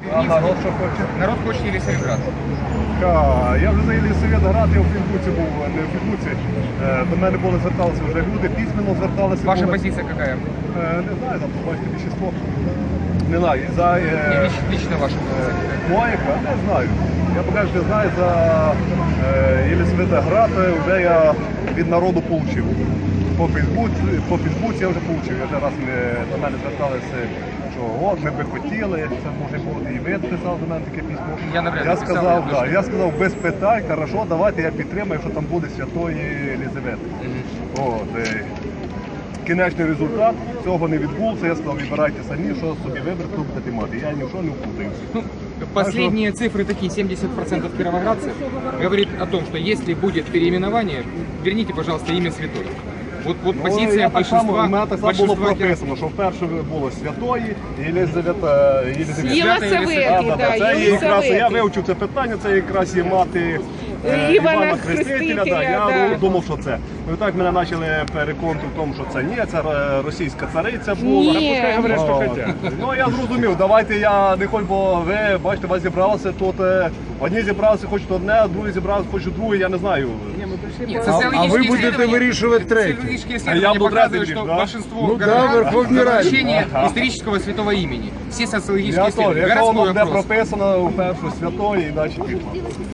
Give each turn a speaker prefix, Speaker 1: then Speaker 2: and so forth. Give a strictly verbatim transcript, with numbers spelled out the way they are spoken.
Speaker 1: А народ що хоче?
Speaker 2: Народ хочет Елисаветград.
Speaker 1: Ха, я вже за Єлисаветград, я в Фейсбуці був, не в Фейсбуці. Е, До мене були зверталися вже люди, письменно зверталися.
Speaker 2: Ваша
Speaker 1: були.
Speaker 2: позиция какая?
Speaker 1: Е, Не знаю, там побачите більшість. Не знаю, за
Speaker 2: Не,
Speaker 1: е,
Speaker 2: лич- лично ваша позиция.
Speaker 1: Моєка, не знаю. Я поки що не знаю, за е, Єлисаветград вже я від народу отримав. По Фейсбуці, по Фейсбуці я вже отримав. Я вже раз ми, до мене зверталися, що от ми би хотіли, це може бути і ви писав до мене таке письмо.
Speaker 2: Я навряд
Speaker 1: Я
Speaker 2: ли писав,
Speaker 1: сказав,
Speaker 2: я
Speaker 1: да,
Speaker 2: дуже-
Speaker 1: я сказав, без питань, хорошо, давайте я підтримаю, що там буде Святої Єлизавети. От, е, кінечний результат цього не відбувся. Я сказав, вибирайте самі, що собі виберете, хто будете мати. Я ні в що не вплутаюся.
Speaker 2: Ну, последние цифры такие, семьдесят процентов кировоградцев говорит о том, что если будет переименование, верните, пожалуйста, имя святой. Вот, вот
Speaker 1: Ну,
Speaker 2: позиция
Speaker 1: я так само,
Speaker 2: большинства,
Speaker 1: у мене так само було
Speaker 2: большинства киров-
Speaker 1: прописано, що вперше було Святої Єлизавета. Єлизавета.
Speaker 3: Єлисавети,
Speaker 1: А, да,
Speaker 3: да,
Speaker 1: це є якраз, я
Speaker 3: Єлисавети.
Speaker 1: вивчив це питання, це якраз є мати е,
Speaker 3: Івана
Speaker 1: Івана Хрестителя. Да, я
Speaker 3: Хрестителя, да.
Speaker 1: думав, що це. І так мене почали переконувати в тому, що це ні, це е, російська цариця була.
Speaker 3: Ні.
Speaker 1: Пускай говорять, що хотять. Ну я зрозумів, давайте я не хочу, бо ви бачите, вас зібралося тут. е, Одні зібралися, хочуть одне, а другі зібралися, хочуть друге, я не знаю.
Speaker 2: Нет,
Speaker 4: А- а
Speaker 2: социологические
Speaker 4: вы будете
Speaker 2: исследования-
Speaker 4: вырішувати третє.
Speaker 2: социологические
Speaker 1: А
Speaker 2: исследования
Speaker 1: я буду
Speaker 2: показывают,
Speaker 1: третий,
Speaker 2: что
Speaker 1: да?
Speaker 2: большинство
Speaker 4: Ну да,
Speaker 2: горожан
Speaker 4: Верховной
Speaker 2: за
Speaker 4: Раде.
Speaker 2: возвращение
Speaker 1: Ага.
Speaker 2: исторического святого имени. Все социологические
Speaker 1: Я то,
Speaker 2: исследования.
Speaker 1: якщо воно
Speaker 2: Городской
Speaker 1: буде
Speaker 2: вопрос.
Speaker 1: прописано у першу святої, і далі пішло.